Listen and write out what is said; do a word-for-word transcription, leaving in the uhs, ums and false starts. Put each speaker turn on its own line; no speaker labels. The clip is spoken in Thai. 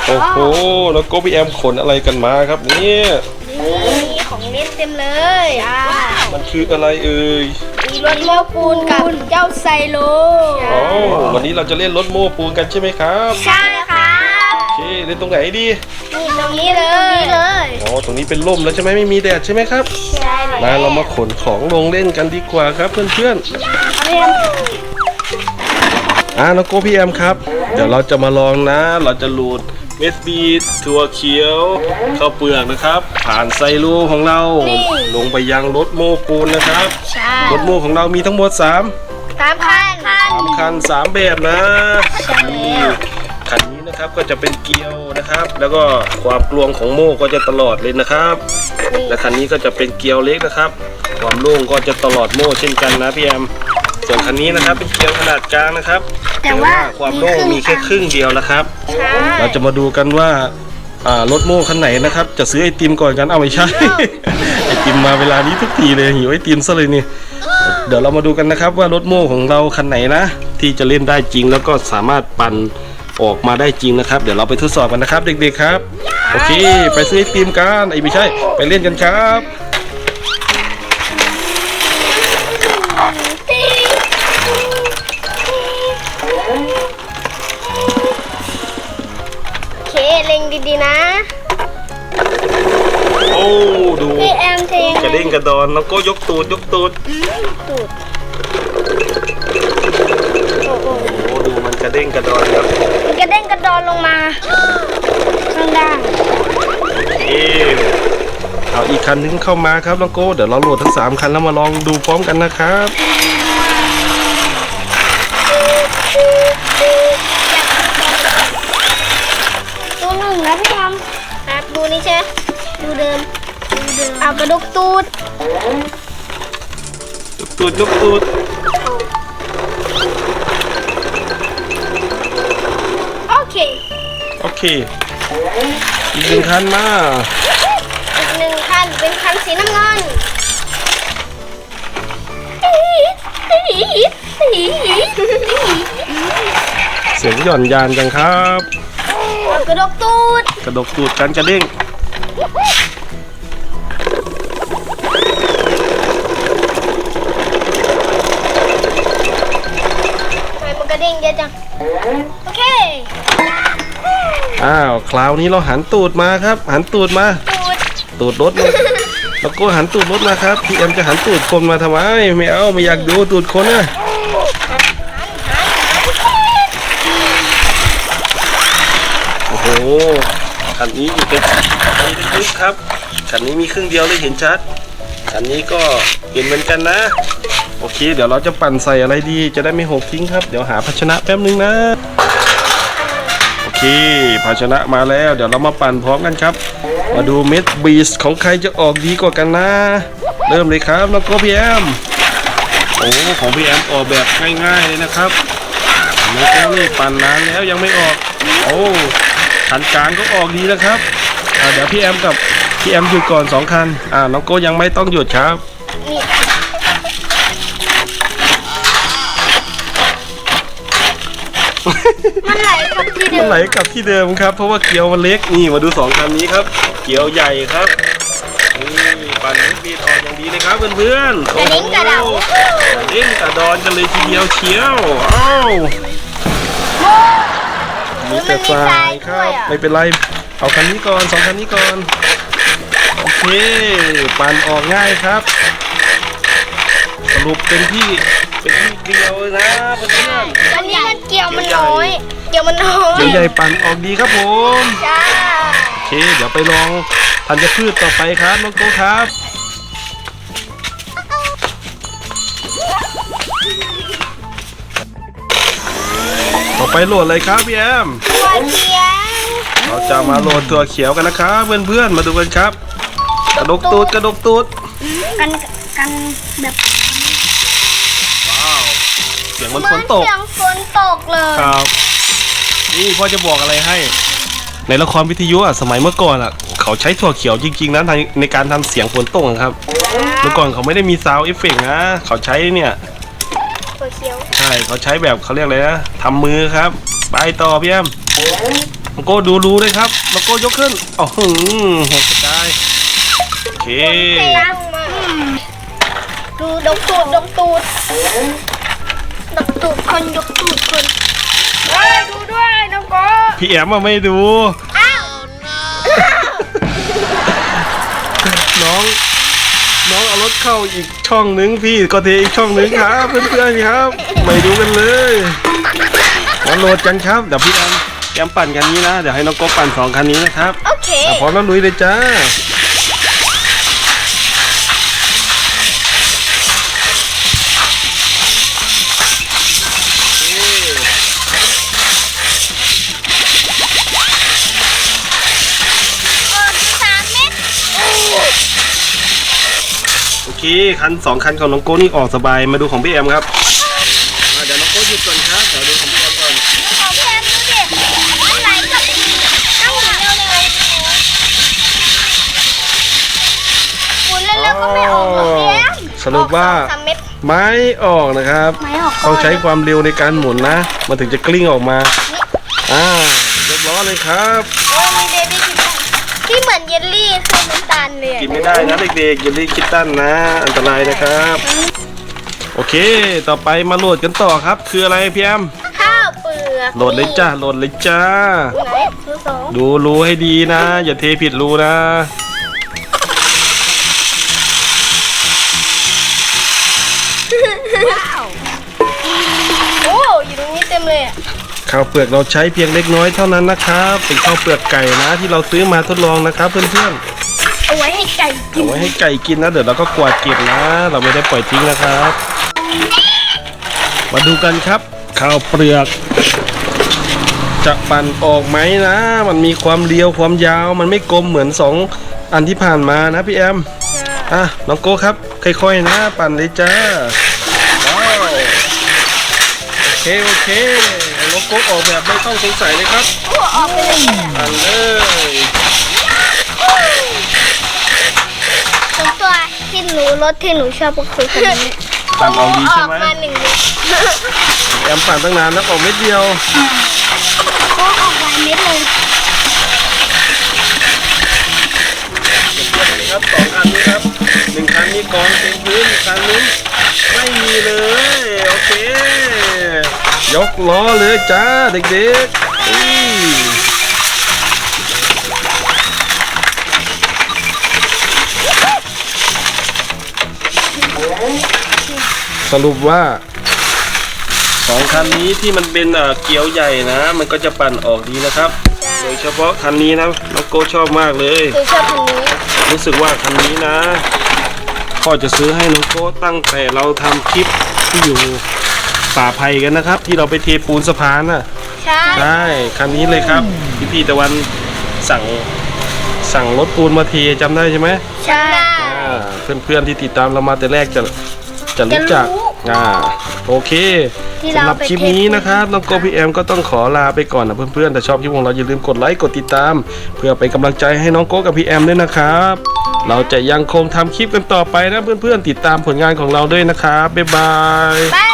โอ้โหแล้วก็พี่แอมขนอะไรกันมาครับเนี่ย
นี่ของเล่นเต็มเลยอ่า
มันคืออะไรเอ่ย
มีรถโม้ปูนกับเจ้าไซโล
อ๋อวันนี้เราจะเล่นรถโม้ปูนกันใช่ไหมครับ
ใช่ค่ะ
โอเคเล่นตรงไหนดี
นี่ตรงนี้เลยนี่เลย
อ๋อตรงนี้เป็นร่มแล้วใช่ไหมไม่มีแดดใช่ไหมครับ
ใช่
มาเรามาขนของลงเล่นกันดีกว่าครับเพื่อนๆอ่าน้องโก้พี่แอมครับเดี๋ยวเราจะมาลองนะเราจะหลุดเมสบีถั่วเขียวข้าวเปลือกนะครับผ่านไซรูของเราลงไปยังรถโม้ปูนนะครับรถโม้ของเรามีทั้งหมดสาม
สามคัน
สามคันสามแบบนะนี่คันนี้นะครับก็จะเป็นเกลียวนะครับแล้วก็ความกลวงของโม่ก็จะตลอดเลยนะครับและคันนี้ก็จะเป็นเกลียวเล็กนะครับความโล่งก็จะตลอดโม่เช่นกันนะพี่แอมส่วนคันนี้นะครับเป็นเกลียวขนาดกลางนะครับแต่ว่าความโล่งมีแค่ครึ่งเดียวนะครับเราจะมาดูกันว่ารถโม่คันไหนนะครับจะซื้อไอติมก่อนกันเอาไม่ใช่ ไอติมมาเวลานี้ทุกทีเลยหิวไอติมซะเลยนี่เดี๋ยวเรามาดูกันนะครับว่ารถโม่ของเราคันไหนนะที่จะเล่นได้จริงแล้วก็สามารถปั่นออกมาได้จริงนะครับเดี๋ยวเราไปทดสอบกันนะครับเด็กๆครับโอเคไปซื้อไอติมกันไอไม่ใช่ไปเล่นกันครับ
เล็งดีๆนะ
โอ้ดู
พี่แอมเทง
กระเด้งกระดอนแล้วก็ยกตูดยกตูด
ตูด
โอ้โหดูมันกระเด้งกระดอนครับ
มันกระเด้งกระดอนลงมาข้างล่าง
เอ๊เอาอีกคันนึงเข้ามาครับน้องโก้เดี๋ยวเราโหลดทั้งสามคันแล้วมาลองดูพร้อมกันนะครับ
นะพี่ทำครับดูนี่ใช่ดูเดิมดูเดิมเอากระดกตูด
ยกตูดยกตูด
โอเค
โอเคอีกหนึ่งคันมา
อีกหนึ่งคันเป็นคันสีน้ำเงิน
เสียงหย่อนยานจังครับ
กระดกตูด
กระดกตูดกันกระเด้ง
ทำไมมันกระเด้งเยอะจังโอเค
อ้าวคราวนี้เราหันตูดมาครับหันตูดมาตูดรถมาแล้วก็หันตูดรถมาครับพี่แอมจะหันตูดคนมาทำไมไม่เอาไม่อยากดูตูดคนนะโอ้โหคันนี้อยู่เป็นคันนี้ลึกครับคันนี้มีครึ่งเดียวเลยเห็นชัดคันนี้ก็เห็นเหมือนกันนะโอเคเดี๋ยวเราจะปั่นใส่อะไรดีจะได้ไม่หกทิ้งครับเดี๋ยวหาภาชนะแป๊บนึงนะโอเคภาชนะมาแล้วเดี๋ยวเรามาปั่นพร้อมกันครับมาดูเม็ดบีสของใครจะออกดีกว่ากันนะเริ่มเลยครับแล้วก็พี่แอมโอ้ของพี่แอมออกแบบง่ายๆเลยนะครับแล้วก็นี่ปั่นนานแล้วยังไม่ออกโอ้คันกลางก็ออกดีนะครับเดี๋ยวพี่แอมกับพี่แอมหยุดก่อนสองคันอ่าน้องโก้ยังไม่ต้องหยุดครับ
มันไหลกลับที่เดิม
มันไหลกลับที่เดิมครับเพราะว่าเกลียวมันเล็กนี่มาดูสองคันนี้ครับเกลียวใหญ่ครับนี่ปั่นบีดออกอย่างดีเลยครับเพื่อนๆ
กระเด้งกระดอน
กระเด้งกระดอนกันเลยทีเดียวเชียวอ้าวมีแต่ทรายครับไม่เป็นไรเอาคันนี้ก่อนสองคันนี้ก่อนโอเคปั่นออกง่ายครับสรุปเป็นที่เป็นที่เกลียวนะเพื่อน
ๆอันนี้มันเกี่ยวมันน้อยเกี่ยวมันน้อย
เกี่ยวใหญ่ปั่นออกดีครับผม
จ้า
โอเคเดี๋ยวไปลองธัญพืชต่อไปครับน้องโก้ครับต่อไปโหลดเลยครับพี่แอม
ถั่วเขียว
เราจะมาโหลดถั่วเขียวกันนะครับเพื่อนๆมาดูกันครับกระดกตูดกระดกตูด
กันกันแบบ
ว้าวเสียงมันฝนตก
เสียงฝนตกเลย
ครับนี่พ่อจะบอกอะไรให้ในละครวิทยุอ่ะสมัยเมื่อก่อนอ่ะเขาใช้ถั่วเขียวจริงๆนะในการทำเสียงฝนตกครับเมื่อก่อนเขาไม่ได้มีซาวด์เอฟเฟกต์นะเขาใช้เนี่ย
ถั่วเขียว
ใช่เขาใช้แบบเขาเรียกอะไรนะทำมือครับไปต่อพี่แอมน้องโก้ดูรูเลยครับน้องโก้ยกขึ้นอ๋อหืมหกกระจายโอเค
ตั้งมาดูดกตูดดกตูดดกตูดคนยกตูดคนว้าดูด้วยน้องโก้
พี่แอมมาไม่ดู
อ้าว
น้องน้องเอารถเข้าอีกช่องนึงพี่ก็เทอีกช่องนึงครับเพื่อนๆครับไม่ดูกันเลยมาโหลดกันครับเดี๋ยวพี่แอมแอมปั่นคันนี้นะเดี๋ยวให้น้องโก้ปั่นสองคันนี้นะครับ
โอเค
อ่ะพร้อมแล้วลุยเลยจ้า
สามเม็ด
โอเคคันสองคันของน้องโก้นี่ออกสบายมาดูของพี่แอมครับอ่ะเดี๋ยวน้องโก้หยุดก่อนครับเดี๋ยวดูของพี่แอมก่อน
ของแพมดูดิมันไหลกับต้องหมุนเร็วเลยหมุนเร็วๆก็ไม่ออกหรอกพี่แอม
สรุปว่า
ออกสองสามเม็ด
ไม่ออกนะครับ
ไม่ออก
ต้องใช้ความเร็วในการหมุนนะมันถึงจะกลิ้งออกมาอ่ายกล้อเลยครับ
โอ้มีเบบี้ที่เหมือนเยลลี่คือน้ำตาลเลย
กินไม่ได้นะเด็กๆอย่ารีบคิดตั้นนะอันตรายนะครับ โอเค ต่อไปมาโหลดกันต่อครับ คืออะไรพี่แอม
ข้าวเปลือก
โหลดเลยจ้าโหลดเลยจ้า
ไหนดูสอง
ดูรูให้ดีนะ อย่าเทผิดรูนะ
ว้าวโอ้อยู่ตรงนี้เต็มเลยอะ
ข้าวเปลือกเราใช้เพียงเล็กน้อยเท่านั้นนะครับ เป็นข้าวเปลือกไก่นะที่เราซื้อมาทดลองนะครับเพื่อนๆ
เอาไว้ให้ไก่กิน
เอาไว้ให้ไก่กินนะเดี๋ยวเราก็กวาดเก็บนะ เราไม่ได้ปล่อยทิ้งนะครับ มาดูกันครับ ข้าวเปลือก จะปั่นออกไหมนะ มันมีความเรียวความยาวมันไม่กลมเหมือนสองอันที่ผ่านมานะพี่แอมอ่ะน้องโก้ครับค่อยๆนะ ปั่นเลยจ้าว้าวโอเคโอเคน้องโก้ออกแบบไม่ต้องสงสัยเลยครับ
โอ้ออกไปเลยเนี่ย
ปั่นเลย
ส่วนตัวที่หนูรถที่หนูชอบก็คือคันนี้
ปั่นออกดี
อ
ใช่
อก
ไหม
มาหนึ่งเม็ด
แอมปั่นตั้งนานแล้วออกเม็ดเดียว
โอ้ออกหลายเม็ดเลย
ครับสองอันนี้ครับหนึ่งคันนี้กองเต็มพื้นอีกคันนึงไม่มีเลยโอเค ยกล้อเลยจ้าเด็กๆอุ้ยสรุปว่าสองคันนี้ที่มันเป็นเอ่อเกี๊ยวใหญ่นะ มันก็จะปั่นออกดีนะครับ โดยเฉพาะคันนี้นะน้องโก้ชอบมากเลย
คือชอบคันนี้
รู้สึกว่าคันนี้นะพ่อจะซื้อให้น้องโก้ตั้งแต่เราทำคลิปที่อยู่ป่าไผ่กันนะครับ ที่เราไปเทปูนสะพานน่ะ
ใช่
ใช่คันนี้เลยครับพี่พี่ตะวันสั่งสั่งรถปูนมาเทจำได้ใช่ไหม
ใช่
เพื่อนเพื่อนๆที่ติดตามเรามาแต่แรกจะจะรู้จัก
จะรู้
อ่าโอเค
ที่เรา
สำหรับ
ไป
คลิป
เท
นี้
ปูน
นะครับน้องโกพี่แอมก็ต้องขอลาไปก่อนนะเพื่อนๆแต่ชอบคลิปของเราอย่าลืมกดไลค์กดติดตาม เพื่อเป็นกำลังใจให้น้องโกกับพี่แอมด้วยนะครับ เราจะยังคงทำคลิปกันต่อไปนะเพื่อนๆติดตามผลงานของเราด้วยนะครับบ๊ายบาย
บาย